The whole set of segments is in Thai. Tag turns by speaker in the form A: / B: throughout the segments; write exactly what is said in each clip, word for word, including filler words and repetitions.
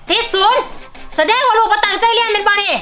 A: ติดศูนย์แสดงว่าลูกบ่ตั้งใจเรียนเป็นบ่นี่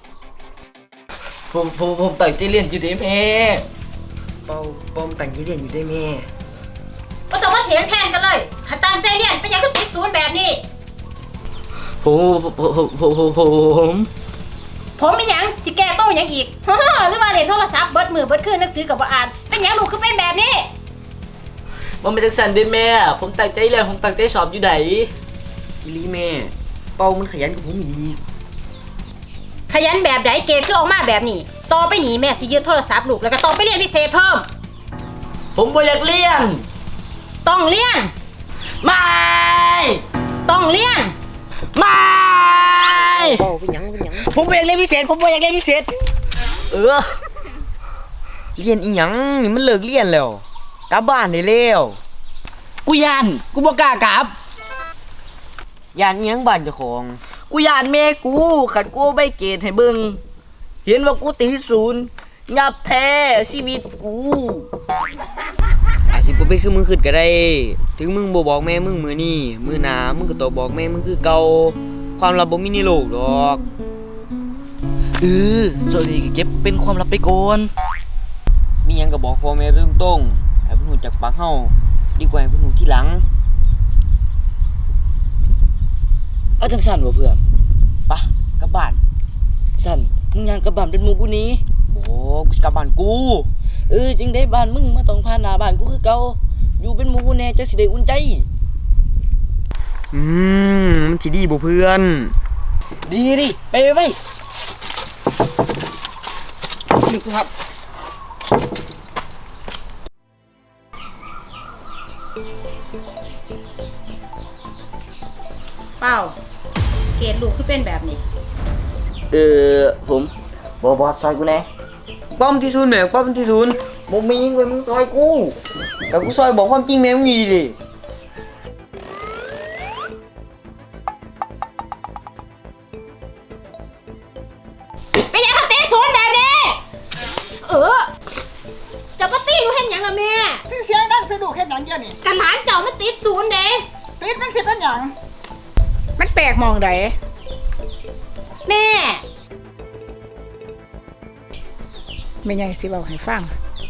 B: ผมผมผมตั้งใจเรียนอยู่เด้แม่เป้าเป้าตั้งใจเรียนอยู่ได้แม่
A: บ่ต้องมาเถียงแทนกันเลยถ้าตั้งใจเรียนเป็นหยังคือติดศูนย์แบบนี้
B: ผมผมผมผมผม
A: ผมมีหยังสิแก้โต้หยังอีกหรือว่าเล่นโทรศัพท์เบิดมือเบิดคืนหนังสือก็บ่อ่านเป็นหยังลูกคือเป็นแบบนี้
B: มันเป็นจังซั่นเด้แม่ผมตั้งใจเรียนผมตั้งใจสอบอยู่ไดอีหลีแม่เป้ามันขยันกว่าผมอีก
A: ขยันแบบใดเกรดคือออกมาแบบนี้ต่อไปนี้แม่สิยึดโทรศัพท์ลูกแล้วก็ต้องไปเรียนพิเศษเพิ่ม
B: ผมบ่อยากเรียน
A: ต้องเรียน
B: ไม่
A: ต้องเรียน
B: ไม่
C: เป้าเป็นหยังเป็นหยัง
B: ผมบ่อยากเรียนพิเศษผมบ่อยากเรียนพิเศษเออเรียนอีหยังนี่มันเลิกเรียนแล้วกลับบ้านได้แล้วกูย่านกูบ่กล้ากลับ
C: ย่านอีหยังบ้านเจ้าของ
B: กูย่านแม่กูขัดกูใบเกรดให้เบิ่งเห็นว่ากูตีศูนย์ยับแท้ชีวิตกู
C: อาจสิบ่เป็นคือมึงคิดก็ได้ถึงมึงบ่บอกแม่มึงมื้อนี้มื้อหน้ามึงก็ต้องบอกแม่มึงคือเก่าความลับบ่มีในโลกดอก
B: เออส่วนนี้ก็เก็บเป็นความลับไปก่อน
C: มีหยังก็บอกพ่อแม่ไปตรงๆให้เพิ่นรู้จักปากเฮาดีกว่าให้เพิ่นรู้ทีหลัง
B: เอาจังซั่นบ่เพื่อน
C: ปะกลับบ้าน
B: ซั่นมึงย่างกลับบ้านเป็นหมู่กูนี้
C: โอ้กูสิกลับบ้านกู
B: เออจึงได้บ้านมึงมาต้องผ่านหน้าบ้านกูคือเก่าอยู่เป็นหมู่กูแน่จะสิได้อุ่นใจ
C: อืมมันสิดีบ่เพื่อน
B: ดีดิไปไปนี่กูครับ
A: เป้าเกรดลูกคือเป็นแบบนี้
B: เออผมบ่บ่ซอยกูแน่
C: ป้อมที่ศูนย์แม่ป้อมที่ศูนย์
B: บ่มีเว้ยมึงซอยกู
C: แต่กูซอยบอกความจริงแม่มึงดีดิ
A: เป็นหยังคือติดศูนย์แบบนี้เออเจ้าก็ตีลูกเฮ็ดหยังล่ะแม่
D: ที่เสียงดังสะดุกเฮ็ดหยังเดี๋ยวนี้
A: กะหลานเจ้ามันติดศูนย์เด้
D: ติดมันสิเป็นหยังมันแปลกมองใด
A: แม่
D: แม่ใหญ่สิเว้าให้ฟัง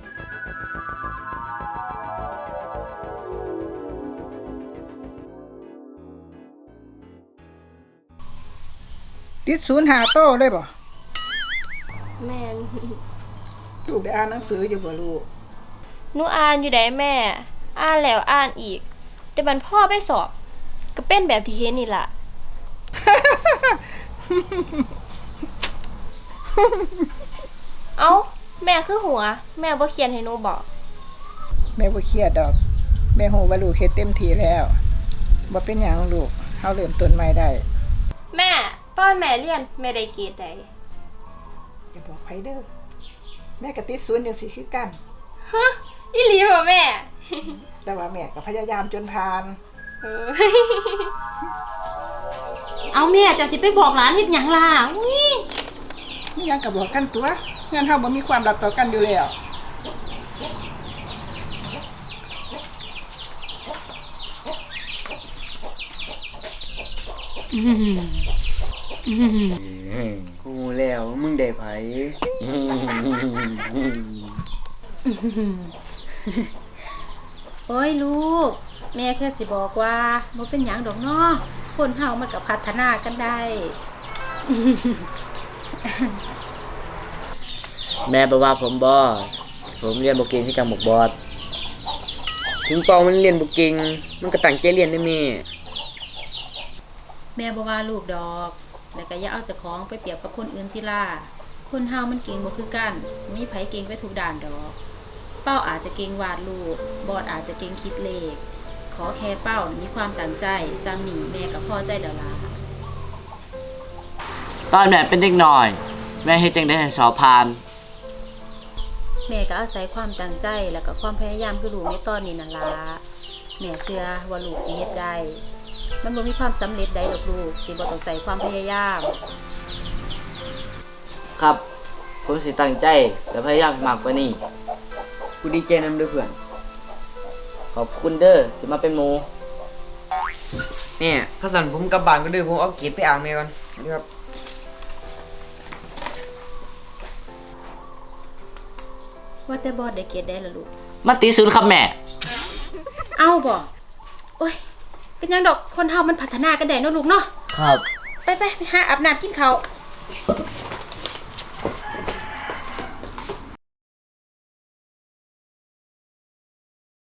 D: ติดศูนย์หาโต้เลยบ่
E: แม่น
D: ลูกได้อ่านหนังสืออยู่บ่ลูก
E: หนูอ่านอยู่ได้แม่อ่านแล้วอ่านอีกแต่บัดพ่อไปสอบก็เป็นแบบที่เห็นนี่ล่ะ เอ้าแม่คือหัวแม่บ่เขียนให้หนูบอก
D: แม่บ่เครียดดอกแม่ฮู้ว่าลูกเฮ็ดเต็มที่แล้วบ่เป็นหยังลูกเฮาเริ่มต้นใหม่ได้
E: แม่ตอนแม่เรียนแม่ได้เกรดใด
D: อย่าบอกไผเด้อแม่ก็ติดศูนย์จังซี่คือกัน
E: ฮะอีหลีบ่แม่
D: แต่ว่าแม่ก็พยายามจนผ่าน
E: เออ
A: เอาแม่เจ้าสิไปบอกหลานเฮ็ดหยังล่ะอุ้ย
D: มีหยังก็บอกกันตัวงานเฮาบ่มีความลับต่อกันอยู่แล้ว
C: กูแล้วมึงได้ไผ
A: โอ้ยลูกแม่แค่สิบอกว่าบ่เป็นหยังดอกเนาะคนเฮามันก็พัฒนากันได้
B: แม่บ่ว่าผมบ่ผมเรียนบ่เก่งที่จังหมกบอด
C: ถึงเป้ามันเรียนบ่เก่งมันก็ตั้งใจเรียนได้แม่
A: แม่บ่ว่าลูกดอกแล้วก็อย่าเอาเจ้าของไปเปรียบกับคนอื่นติล่ะคนเฮามันเก่งบ่คือกันมีไผเก่งไปทุกด้านดอกเป้าอาจจะเก่งวาดรูปบอดอาจจะเก่งคิดเลขขอแค่เป้ามีความตั้งใจซ้ำนี่แม่ก็พอใจแล้วล่ะ
B: ตอนแม่เป็นเด็กน้อยแม่เฮ็ดจังได๋ให้สอบผ่าน
A: แม่ก็อาศัยความตั้งใจแล้วก็ความพยายามคือลูกในตอนนี้นั่นล่ะแม่เชื่อว่าลูกสิเฮ็ดได้มันบ่มีความสำเร็จใดดอกลูกที่บ่ต้องใส่ความพยายาม
B: ครับผมสิตั้งใจและพยายามมากกว่านี้
C: กูดีใจนำเด้อเพื่อน
B: ขอบคุณเด้อที่มาเป็นหมู่
C: แม่แม่ถ้าสั่นผมกลับบ้านก็เด้อผมเอาเกรดไปอ่างแม่ก่อนนี่ครับ
A: ว่าแต่บอสได้เกรดได้ละลูก
F: มาตีศูนย์ครับแม่
A: เอาบ่โอ้ย เป็นหยังดอกคนเฮามันพัฒนากันได้เนาะลูกเนาะ
F: ครับ
A: ไปไปไปหาอาบน้ำกินข้าว
F: ค